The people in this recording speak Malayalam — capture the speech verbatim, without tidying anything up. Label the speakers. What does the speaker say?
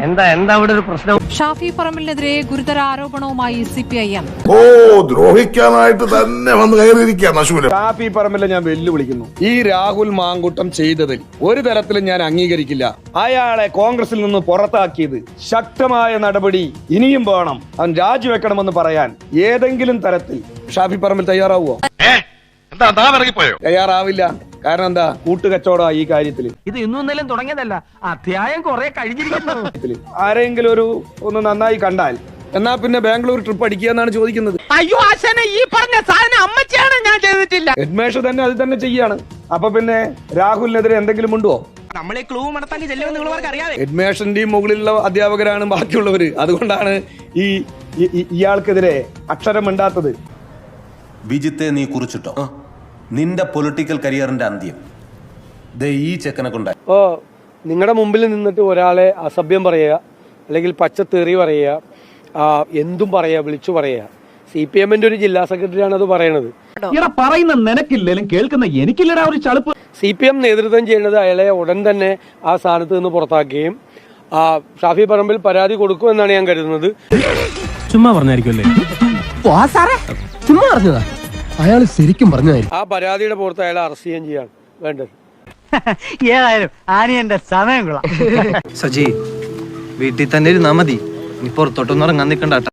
Speaker 1: എന്താ എന്താ അവിടെ ഒരു പ്രശ്നം?
Speaker 2: ഷാഫി പറമ്പലിനെതിരെ ഗുരുതര ആരോപണവുമായി സി പി ഐ എം.
Speaker 3: ഓ ദ്രോഹിക്കാനായിട്ട് തന്നെ വന്ന് കയറിയിരിക്കുകയാണ് അശൂല.
Speaker 4: ഷാഫി പറമ്പലിനെ ഞാൻ വെല്ലുവിളിക്കുന്നു. ഈ രാഹുൽ മാങ്കൂട്ടം ചെയ്തതിൽ ഒരു തരത്തിലും ഞാൻ അംഗീകരിക്കില്ല. അയാളെ കോൺഗ്രസിൽ നിന്ന് പുറത്താക്കിയത് ശക്തമായ നടപടി ഇനിയും വേണം, അവൻ രാജിവെക്കണമെന്ന് പറയാൻ ഏതെങ്കിലും തരത്തിൽ ഷാഫി പറമ്പൽ തയ്യാറാവുമോ? തയ്യാറാവില്ല. കാരണം എന്താ? കൂട്ടുകച്ചവട ഈ കാര്യത്തിൽ.
Speaker 1: ഇത് ഇന്നും ഇന്നലെയും തുടങ്ങിയതല്ല, അധ്യായം കുറെ കഴിഞ്ഞിരിക്കുന്നു.
Speaker 4: ആരെങ്കിലും ഒരു ഒന്ന് നന്നായി കണ്ടാൽ എന്നാ പിന്നെ ബാംഗ്ലൂർ ട്രിപ്പ് അടിക്കുക എന്നാണ് ചോദിക്കുന്നത്.
Speaker 1: അയ്യോ ആശാനെ, ഈ പറഞ്ഞ സാധനം അമ്മച്ചാണ്, ഞാൻ ചെയ്തിട്ടില്ല.
Speaker 4: ഹെഡ്മേഷ് തന്നെ അത് തന്നെ ചെയ്യാണ്. അപ്പൊ പിന്നെ രാഹുലിനെതിരെ എന്തെങ്കിലും ഉണ്ടോ?
Speaker 1: നമ്മളെ ക്ലൂ മടത്താക്കി ചെല്ലുമെന്ന് നിങ്ങളവർക്ക് അറിയാതെ.
Speaker 4: ഹെഡ്മേഷന്റെയും മുകളിലുള്ള അധ്യാപകരാണ് ബാക്കിയുള്ളവര്. അതുകൊണ്ടാണ് ഈ ഇയാൾക്കെതിരെ അക്ഷരം മിണ്ടാത്തത്.
Speaker 5: വിജിത്തെ നീ കുറിച്ചിട്ടോ നിന്റെ പൊളിറ്റിക്കൽ കരിയറിന്റെ അന്ത്യം ദേ ഈ ചെക്കനെ കൊണ്ടായി.
Speaker 6: ഓ നിങ്ങളുടെ മുമ്പിൽ നിന്നിട്ട് ഒരാളെ അസഭ്യം പറയുക, അല്ലെങ്കിൽ പച്ചത്തേറി പറയുക, എന്തും പറയുക, വിളിച്ചു പറയുക. സി പി എമ്മിന്റെ ഒരു ജില്ലാ സെക്രട്ടറിയാണ് അത് പറയണത്.
Speaker 7: പറയുന്ന നിനക്കില്ലേലും കേൾക്കുന്ന എനിക്കില്ലടാ ഒരു ചളുപ്പ്.
Speaker 6: സി പി എം നേതൃത്വം ചെയ്യുന്നത് അയാളെ ഉടൻ തന്നെ ആ സ്ഥാനത്ത് നിന്ന് പുറത്താക്കുകയും ഷാഫി പറമ്പിൽ പരാതി കൊടുക്കുമെന്നാണ് ഞാൻ കരുതുന്നത്.
Speaker 7: ചുമ്മാ പറഞ്ഞായിരിക്കുമല്ലേ?
Speaker 1: ചുമ്മാ പറഞ്ഞതാ,
Speaker 7: അയാൾ ശരിക്കും പറഞ്ഞതായിരിക്കും.
Speaker 6: ആ പരാതിയുടെ പുറത്ത് അയാളെ അറസ്റ്റ് ചെയ്യുകയും ചെയ്യാണ് വേണ്ടത്.
Speaker 1: ഏതായാലും ആനിയന്റെ സമയം കൊള്ളാം.
Speaker 8: സജി വീട്ടിൽ തന്നെ ഇരുന്നാ മതി, നീ പുറത്തോട്ടൊന്നും ഇറങ്ങാൻ നിൽക്കണ്ട.